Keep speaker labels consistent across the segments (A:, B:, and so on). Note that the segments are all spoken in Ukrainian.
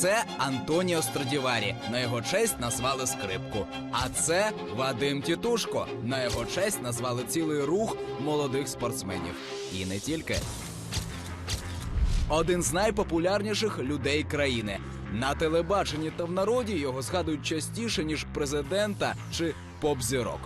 A: Це Антоніо Страдіварі. На його честь назвали скрипку. А це Вадим Тітушко. На його честь назвали цілий рух молодих спортсменів. І не тільки. Один з найпопулярніших людей країни. На телебаченні та в народі його згадують частіше, ніж президента чи поп-зірок.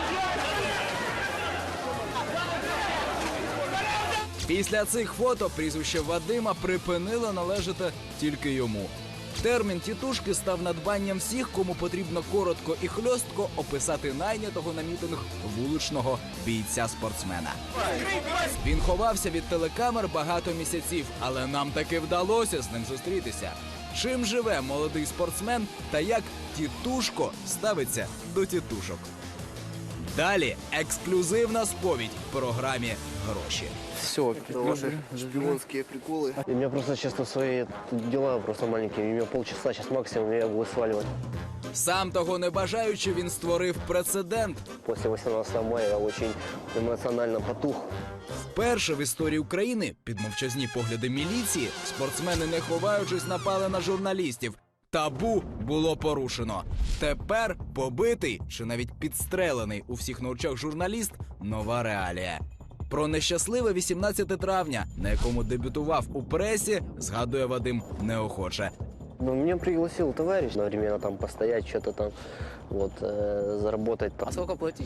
A: Після цих фото прізвище Вадима припинило належати тільки йому. Термін «тітушки» став надбанням всіх, кому потрібно коротко і хльостко описати найнятого на мітинг вуличного бійця-спортсмена. Він ховався від телекамер багато місяців, але нам таки вдалося з ним зустрітися. Чим живе молодий спортсмен та як Тітушко ставиться до тітушок? Далі ексклюзивна сповідь в програмі «Гроші».
B: Все,
C: Это ваши шпионские приколы.
B: у меня просто, честно, свои дела просто маленькие. У меня полчаса сейчас максимум, и я буду сваливать.
A: Сам того не бажаючи, він створив прецедент.
B: После 18 мая я очень эмоционально потух.
A: Вперше в історії України під мовчазні погляди міліції спортсмени, не ховаючись, напали на журналістів. Табу було порушено. Тепер побитий чи навіть підстрелений у всіх на очах журналіст – нова реалія. Про нещасливе 18 травня, на якому дебютував у пресі, згадує Вадим неохоче.
B: Ну, меня пригласил товарищ одновременно там постоять, что-то там, вот, заработать. Там.
C: А сколько платить?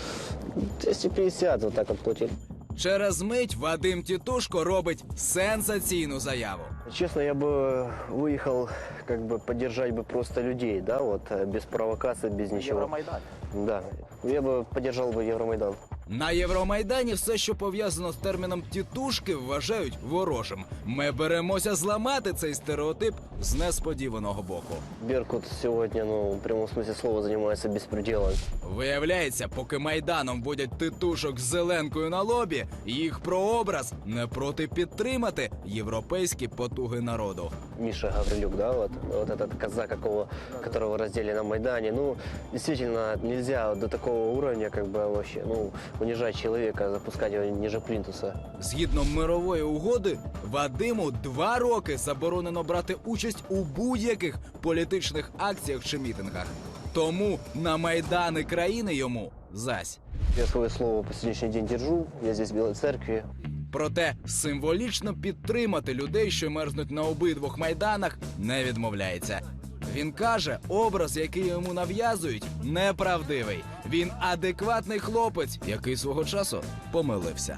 B: 250 вот так вот платили.
A: Через мить Вадим Тітушко робить сенсаційну заяву.
B: Честно, я бы выехал, как бы, поддержать бы просто людей, да, вот, без провокаций, без ничего.
C: Евромайдан.
B: Да, я бы поддержал бы Евромайдан.
A: На Євромайдані все, що пов'язано з терміном «тітушки», вважають ворожим. Ми беремося зламати цей стереотип з несподіваного боку.
B: Беркут сегодня, ну, в прямом смысле слова, занимается беспределом.
A: Виявляється, поки Майданом водять титушок з зеленкою на лобі, їх прообраз не проти підтримати європейські потуги народу.
B: Миша Гаврилюк, да, вот этот казак, которого раздели на Майдане. Ну, действительно, нельзя до такого уровня, как бы, вообще, ну, унижать человека, запускать его ниже плинтуса.
A: Згідно мирової угоди, Вадиму 2 роки заборонено брати участь у будь-яких політичних акціях чи мітингах. Тому на Майдани країни йому зась.
B: Я свое слово по сегодняшний день держу, я здесь в Белой Церкви.
A: Проте символічно підтримати людей, що мерзнуть на обидвох майданах, не відмовляється. Він каже, образ, який йому нав'язують, неправдивий. Він адекватний хлопець, який свого часу помилився.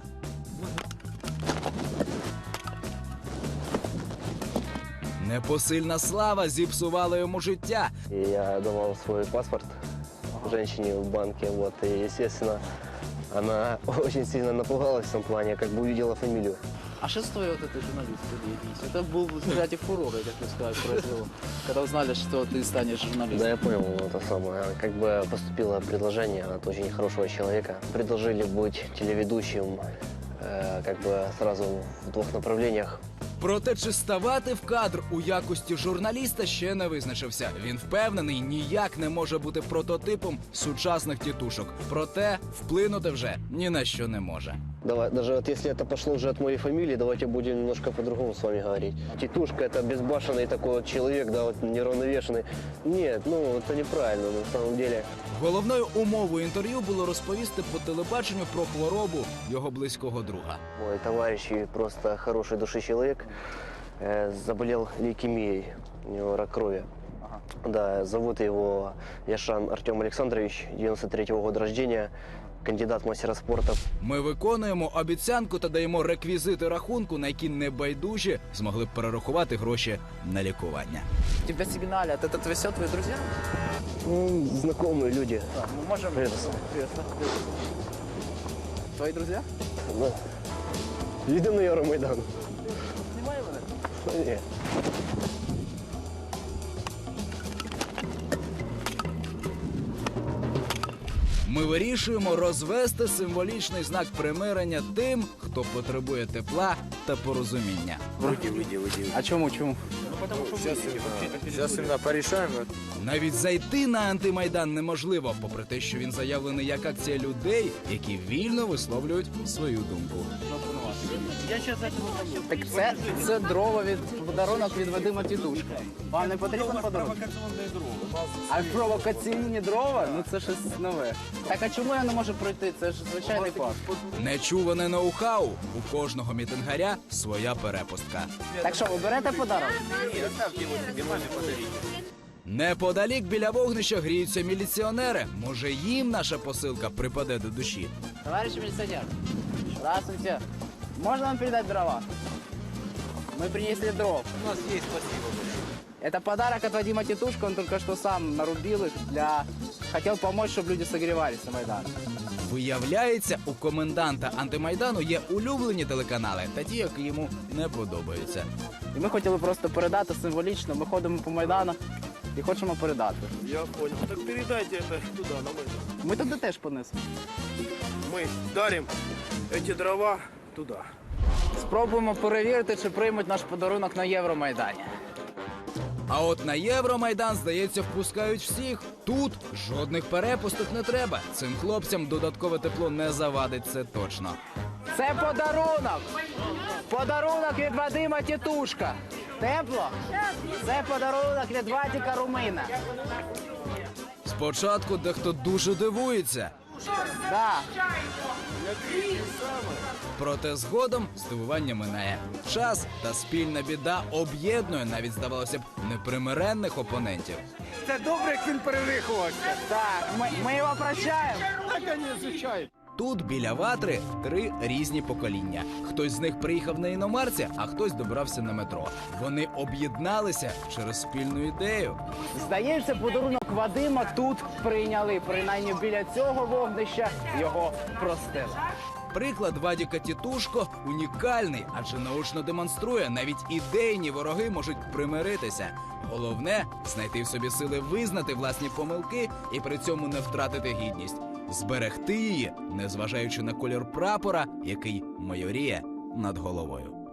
A: Непосильна слава зіпсувала йому життя.
B: И я давал свой паспорт женщине в банке, вот, и, естественно, она очень сильно напугалась в том плане, как бы увидела фамилию.
C: А что стоит вот этой журналистской деятельности? Это был, кстати, фурор, как вы сказали, произвело. Когда узнали, что ты станешь
B: Да,
C: журналистом.
B: я понял, это самое. Как бы поступило предложение от очень хорошего человека. Предложили быть телеведущим, как бы сразу в 2 направлениях.
A: Проте, чи ставати в кадр у якості журналіста, ще не визначився. Він впевнений, ніяк не може бути прототипом сучасних тітушок. Проте вплинути вже ні на що не може.
B: Давай, даже вот если это пошло уже от моей фамилии, давайте будем немножко по-другому с вами говорить. Титушка – это безбашенный такой вот человек, да, вот неравновешенный. Нет, ну это неправильно на самом деле.
A: Головною умовою інтерв'ю було розповісти по телебаченню про хворобу його близького друга.
B: Мой товарищ и просто хороший души человек заболел лейкемией, у него рак крови. Да, зовут его Яшан Артем Александрович, 93-го года рождения, кандидат в мастера спорта.
A: Ми виконуємо обіцянку та даємо реквізити рахунку, на які небайдужі змогли б перерахувати гроші на лікування.
C: Тебя сигналят, это все твои друзья?
B: Ну, знакомые люди.
C: Мы можем...
B: Привет.
C: Привет. Твои друзья?
B: Да. Едем на Евромайдан.
C: Снимаем это?
B: Нет.
A: Ми вирішуємо розвести символічний знак примирення тим, хто потребує тепла та порозуміння.
D: Выйди.
C: А чему?
D: Сейчас именно порешаем.
A: Навіть зайти на антимайдан неможливо, попри те, що він заявлений як акція людей, які вільно висловлюють свою думку.
C: Так це дрова від подарунок від Вадима Тітушка. Вам не потрібен подарунок? А провокаційні дрова? Ну це щось нове. Так а чому я не можу пройти? Це ж звичайний парк.
A: Нечуване ноу-хау. У кожного мітингаря своя перепустка.
C: Так що, ви берете подарунок?
A: Неподалік біля вогнища гріються міліціонери. Може, їм наша посилка припаде до душі.
C: Товарищ милиционер, здравствуйте. Можно вам передать дрова? Мы принесли дров.
D: У нас есть, спасибо большое.
C: Это подарок от Вадима Титушка, он только что сам нарубил их Хотел помочь, чтобы люди согревались на Майдане.
A: Виявляється, у коменданта антимайдану є улюблені телеканали, та ті, які йому не подобаються.
C: І ми хотіли просто передати символічно. Ми ходимо по Майдану і хочемо передати.
E: Я понял. Так передайте это туда, на Майдан.
C: Ми туди теж понесемо.
E: Мы дарим эти дрова туда.
C: Спробуємо перевірити, чи приймуть наш подарунок на Євромайдані.
A: А от на Євромайдан, здається, впускають всіх. Тут жодних перепусток не треба. Цим хлопцям додаткове тепло не завадить, це точно.
C: Це подарунок! Подарунок від Вадима Тітушка. Тепло? Це подарунок від Вадика Румина.
A: Спочатку дехто дуже дивується.
C: Да.
A: Проте згодом здивування минає. Час та спільна біда об'єднує навіть, здавалося б, непримиренних опонентів.
D: Це добре, як він перевиховався.
C: Так, ми його прощаємо.
A: Тут біля ватри 3 різні покоління. Хтось з них приїхав на іномарці, а хтось добрався на метро. Вони об'єдналися через спільну ідею.
C: Здається, подарунок Вадима тут прийняли. Принаймні біля цього вогнища його простили.
A: Приклад Вадіка Тітушко унікальний, адже наочно демонструє, навіть ідейні вороги можуть примиритися. Головне – знайти в собі сили визнати власні помилки і при цьому не втратити гідність. Зберегти її, незважаючи на колір прапора, який майоріє над головою.